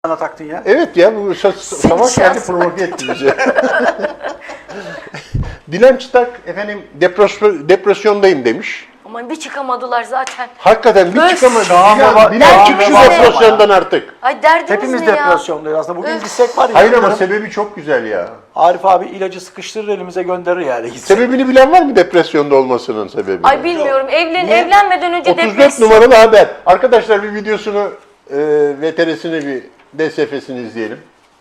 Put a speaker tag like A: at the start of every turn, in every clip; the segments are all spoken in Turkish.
A: Sana taktın ya.
B: Evet ya bu savaş geldi provoke etti bizi. Dilan Çıtak efendim depresyondayım demiş.
C: Ama bir çıkamadılar zaten.
B: Hakikaten bir çıkamadı.
A: Çağ
B: Dilan çık şu
A: baba.
B: depresyondan artık.
C: Ay derdiniz
A: Hepimiz
C: ne ya?
A: depresyondayız aslında. Bugün gitsek var ya.
B: Hayır ama sebebi çok güzel ya.
A: Arif abi ilacı sıkıştırır elimize gönderir yani. Gitsek.
B: Sebebini bilen var mı depresyonda olmasının sebebini?
C: Ay bilmiyorum. Evlenmeden önce
B: 34
C: depresyon.
B: numaralı haber. Arkadaşlar bir videosunu, VTR'sini bir DSF'sini izleyelim.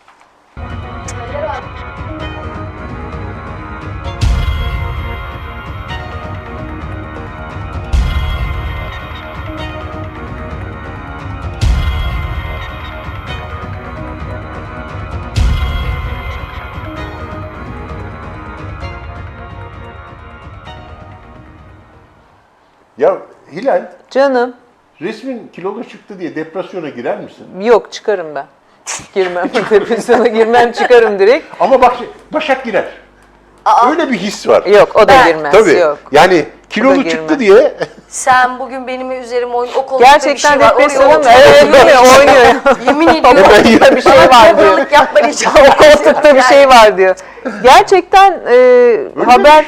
B: Ya Hilal,
D: Canım,
B: resmin kilolu çıktı diye depresyona girer misin?
D: yok çıkarım ben. Girmem, depresyona girmem, çıkarım direkt.
B: Ama bak Başak girer. Öyle bir his var.
D: Yok, o da girmez,
B: Tabii.
D: yok.
B: Yani kilolu
D: girmez.
B: çıktı diye
C: Sen bugün benim üzerime oyun. O koltukta
D: Gerçekten
C: bir şey var.
D: depresyona mı?
C: Oraya
D: Evet,
C: oturuyor.
D: değil mi? Oynuyor.
C: Yemin ediyorum.
D: Koltukta bir şey var diyor.
C: Babalık yapma rica
D: O koltukta bir şey var diyor. Gerçekten haber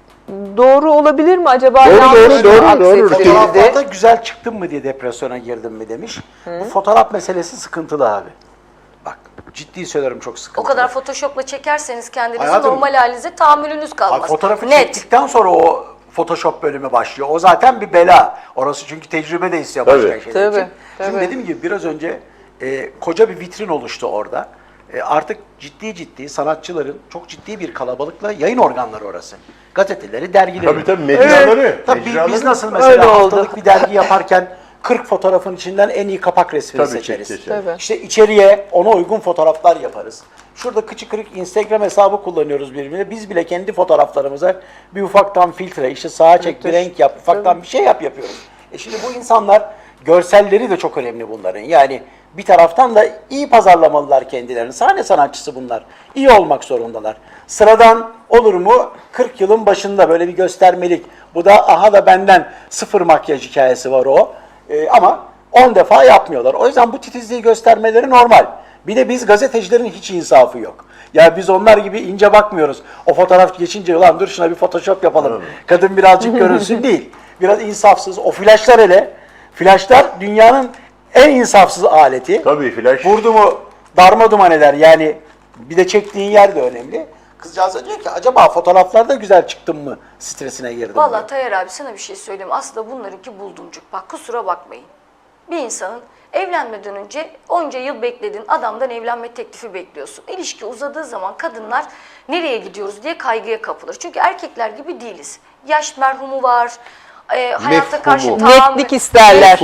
D: doğru olabilir mi acaba?
B: Doğru,
D: Yanlış
B: doğru,
D: mı
B: doğru.
D: aksettirildi?
A: Fotoğraflarda güzel çıktın mı diye depresyona girdim mi demiş. Bu fotoğraf meselesi sıkıntılı abi. Bak ciddi söylüyorum çok sıkıntılı.
C: O kadar Photoshop'la çekerseniz kendinizi
A: Hayatım,
C: normal halinize tahammülünüz kalmaz.
A: Abi fotoğrafı
C: Net.
A: çektikten sonra o Photoshop bölümü başlıyor. O zaten bir bela. Orası çünkü tecrübe de istiyor başka
B: Tabii.
A: şeyler için.
D: Tabii,
A: Şimdi
D: tabii.
A: dediğim gibi biraz önce koca bir vitrin oluştu orada. Artık ciddi sanatçıların çok ciddi bir kalabalıkla yayın organları orası. Gazeteleri, dergileri.
B: tabii mecraları.
A: Tabii biz
B: mecraları.
A: nasıl
D: Öyle
A: mesela
D: oldu.
A: haftalık bir dergi yaparken 40 fotoğrafın içinden en iyi kapak resmini
B: Tabii,
A: seçeriz.
B: seçeriz.
D: Tabii.
A: İşte içeriye ona uygun fotoğraflar yaparız. Şurada kıçı kırık Instagram hesabı kullanıyoruz birbirine. Biz bile kendi fotoğraflarımıza bir ufaktan filtre, işte sağa çek, bir renk yap, ufaktan bir şey yapıyoruz. Şimdi bu insanlar, görselleri de çok önemli bunların. Yani bir taraftan da iyi pazarlamalılar kendilerini. Sahne sanatçısı bunlar. İyi olmak zorundalar. Sıradan olur mu? 40 yılın başında böyle bir göstermelik. Bu da aha da benden sıfır makyaj hikayesi var o. Ama 10 defa yapmıyorlar. O yüzden bu titizliği göstermeleri normal. Bir de biz gazetecilerin hiç insafı yok. Ya biz onlar gibi ince bakmıyoruz. O fotoğraf geçince ulan dur şuna bir Photoshop yapalım. Kadın birazcık görünsün değil. Biraz insafsız. O flaşlar hele. Flaşlar dünyanın en insafsız aleti.
B: Tabii flash.
A: Vurdu mu darma duman eder. Yani bir de çektiğin yer de önemli. Kızcağız da diyor ki acaba fotoğraflarda güzel çıktım mı stresine girdim.
C: Vallahi Tayyar abi sana bir şey söyleyeyim. Aslında bunlarınki buldumcuk. Bak kusura bakmayın. Bir insanın evlenmeden önce onca yıl bekledin. Adamdan evlenme teklifi bekliyorsun. İlişki uzadığı zaman kadınlar nereye gidiyoruz diye kaygıya kapılır. Çünkü erkekler gibi değiliz. Yaş merhumu var. Hayatta karşı
B: Mefhumu.
D: Netlik isterler.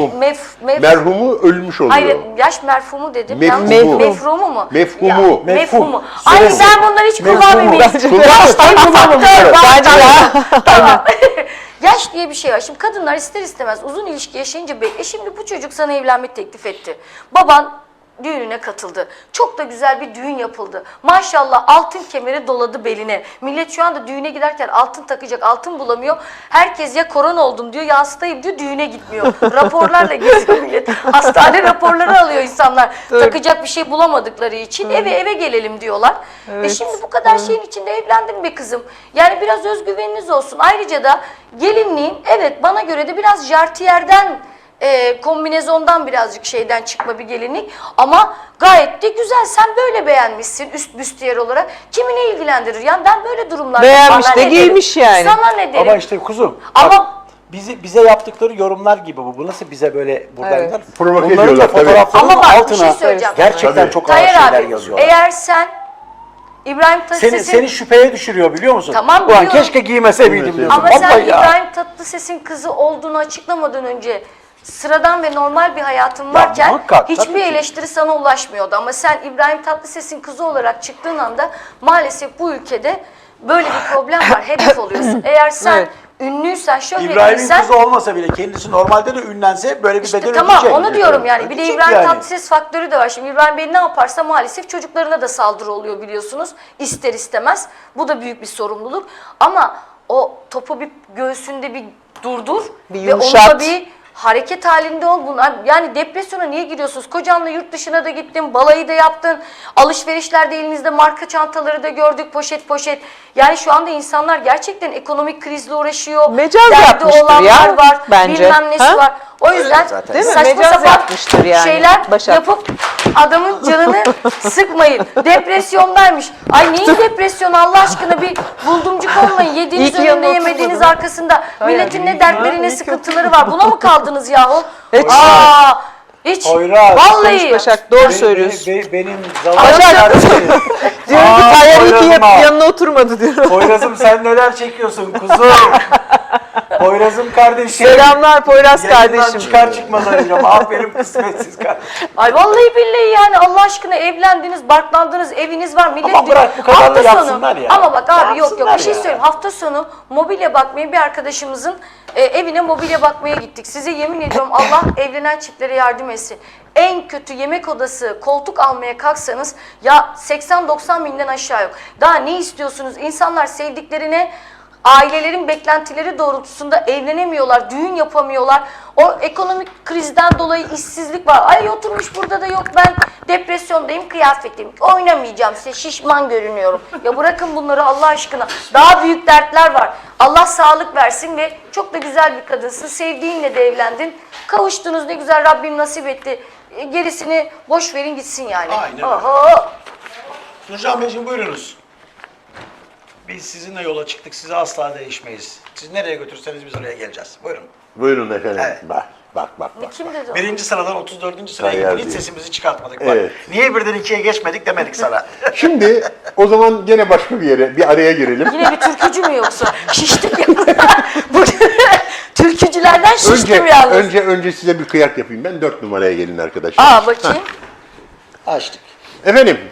B: Merhumu ölmüş oluyor.
C: Hayır, yaş merhumu dedim.
B: Mefhumu.
C: Yanlış. Mefhumu mu?
B: Mefhumu.
C: Ya,
A: Mefhum.
C: mefhumu. Ay
A: Süresi.
C: ben bunları hiç
A: Mefhumu.
C: kullanmayayım. Yaş diye bir faktör var.
D: Bence de.
C: Tamam. Yaş diye bir şey var. Şimdi kadınlar ister istemez uzun ilişki yaşayınca şimdi bu çocuk sana evlenme teklif etti. Baban düğününe katıldı. Çok da güzel bir düğün yapıldı. Maşallah altın kemeri doladı beline. Millet şu anda düğüne giderken altın takacak, altın bulamıyor. Herkes ya korona oldum diyor ya hastayım diyor, düğüne gitmiyor. Raporlarla geziyor millet. Hastane raporları alıyor insanlar. Takacak bir şey bulamadıkları için eve gelelim diyorlar.
D: Evet.
C: Şimdi bu kadar şeyin içinde evlendim be kızım. Yani biraz özgüveniniz olsun. Ayrıca da gelinliğin evet bana göre de biraz jartiyerden kombinezondan birazcık şeyden çıkma bir gelinlik ama gayet de güzel. Sen böyle beğenmişsin üst büstiyer olarak. Kimi ne ilgilendirir? Yani ben böyle durumlarda
D: Beğenmiş
C: sana
D: de
C: ne derim?
D: giymiş yani.
C: Sana ne derim?
A: Ama işte kuzum.
C: Ama-
A: bak, bize yaptıkları yorumlar gibi bu. Bu nasıl bize böyle buradan
D: Evet.
A: gider?
B: Provoke
A: Bunların da
B: ediyorlar, tabii.
A: fotoğraflarının
C: Ama bak, bir
A: altına
C: şey söyleyeceğim.
A: gerçekten
B: Tabii.
A: çok ağır
C: Tayyar
A: şeyler
C: abi
A: yazıyorlar.
C: eğer sen İbrahim Tatlıses'in
A: Seni şüpheye düşürüyor biliyor musun?
C: Tamam,
A: Ulan
C: biliyorum.
A: keşke giymese miydim diyorsun.
C: ama sen
A: Vallahi ya.
C: İbrahim Tatlıses'in kızı olduğunu açıklamadan önce sıradan ve normal bir hayatın varken
A: muhakkak, tabii
C: hiçbir
A: ki.
C: eleştiri sana ulaşmıyordu. Ama sen İbrahim Tatlıses'in kızı olarak çıktığın anda maalesef bu ülkede böyle bir problem var. Hedef oluyorsun. Eğer sen
D: Evet.
C: ünlüysen,
A: İbrahim'in
C: şöhretliysen
A: kızı olmasa bile kendisi normalde de ünlense böyle bir
C: İşte
A: bedel
C: tamam
A: ödeyecek.
C: onu diyorum yani. Bir de
A: Ödeyecek
C: İbrahim
A: yani.
C: Tatlıses faktörü de var. Şimdi İbrahim Bey ne yaparsa maalesef çocuklarına da saldırı oluyor biliyorsunuz. İster istemez. Bu da büyük bir sorumluluk. Ama o topu bir göğsünde bir durdur
D: Bir
C: ve onu
D: yumuşat.
C: da bir Hareket halinde ol bunlar. Yani depresyona niye giriyorsunuz? Kocanla yurt dışına da gittin, balayı da yaptın. Alışverişlerde elinizde marka çantaları da gördük, poşet poşet. Yani şu anda insanlar gerçekten ekonomik krizle uğraşıyor.
D: Mecaz
C: Derdi
D: yapmıştır
C: olanlar
D: ya,
C: var,
D: bence.
C: bilmem nesi
D: Ha?
C: var. O yüzden
A: zaten.
D: Değil mi?
C: saçma
D: Mecaz
C: sapan
D: yapmıştır yani,
C: şeyler
D: Başak.
C: yapıp adamın canını sıkmayın. Depresyondaymış. Ay neyin depresyonu Allah aşkına, bir buldumcuk olmayın. Yediğiniz
D: İyi ki yanına
C: önünde, yemediğiniz
D: oturmadın.
C: arkasında. Milletin
A: iyi
C: ne
A: ki
C: dertleri,
A: ya,
C: ne
A: iyi ki
C: sıkıntıları var. Buna mı kaldınız yahu?
D: Hiç.
C: Aa, hiç.
A: Poyraz.
C: Vallahi.
D: Başak doğru söylüyorsun.
A: Benim zavallı
D: Başak.
A: kardeşim.
D: Diyorum ki
A: Aa,
D: Tayyar iyi ki
A: Poyraz'ım ha.
D: yanına oturmadı diyorum.
A: Poyraz'ım sen neler çekiyorsun kuzum? Poyraz'ım kardeşim.
D: Selamlar Poyraz
A: Yayından
D: kardeşim.
A: çıkar çıkmaz arayacağım. Aferin kısmetsiz kardeşim.
C: Ay vallahi billahi yani Allah aşkına evlendiniz, barklandınız, eviniz var. Millet
A: Ama bırak bu kadarla
C: hafta
A: yapsınlar ya.
C: Ama bak abi yok
A: Yapsınlar
C: bir şey
A: ya.
C: söyleyeyim. Hafta sonu mobilya bakmaya bir arkadaşımızın evine mobilya bakmaya gittik. Size yemin ediyorum Allah evlenen çiftlere yardım etsin. En kötü yemek odası, koltuk almaya kalksanız ya 80-90 binden aşağı yok. Daha ne istiyorsunuz? İnsanlar sevdiklerine, ailelerin beklentileri doğrultusunda evlenemiyorlar, düğün yapamıyorlar. O ekonomik krizden dolayı işsizlik var. Ay oturmuş burada da yok ben depresyondayım, kıyafetim. Oynamayacağım size, şişman görünüyorum. Ya bırakın bunları Allah aşkına. Daha büyük dertler var. Allah sağlık versin ve çok da güzel bir kadınsın. Sevdiğinle de evlendin. Kavuştunuz, ne güzel Rabbim nasip etti. Gerisini boş verin gitsin yani.
A: Aynen öyle.
C: Oho.
A: Nurcan Beyciğim buyurunuz. Biz sizinle yola çıktık. Size asla değişmeyiz. Siz nereye götürseniz biz oraya geleceğiz. Buyurun.
B: Buyurun efendim.
A: Evet.
B: Bak.
C: Kim dedi o?
A: Birinci sıradan 34. sıraya
B: Tayyar
A: gittik. Hiç
B: değil.
A: sesimizi çıkartmadık. Bak,
B: Evet.
A: niye birden ikiye geçmedik demedik sana.
B: Şimdi o zaman gene başka bir yere, bir araya girelim.
C: Yine bir türkücü mü yoksa? Şiştim ya. Bu türkücülerden şiştim yalnız.
B: Önce size bir kıyak yapayım. Ben 4 numaraya gelin arkadaşlar.
C: Aa bakayım.
A: Açtık.
B: Efendim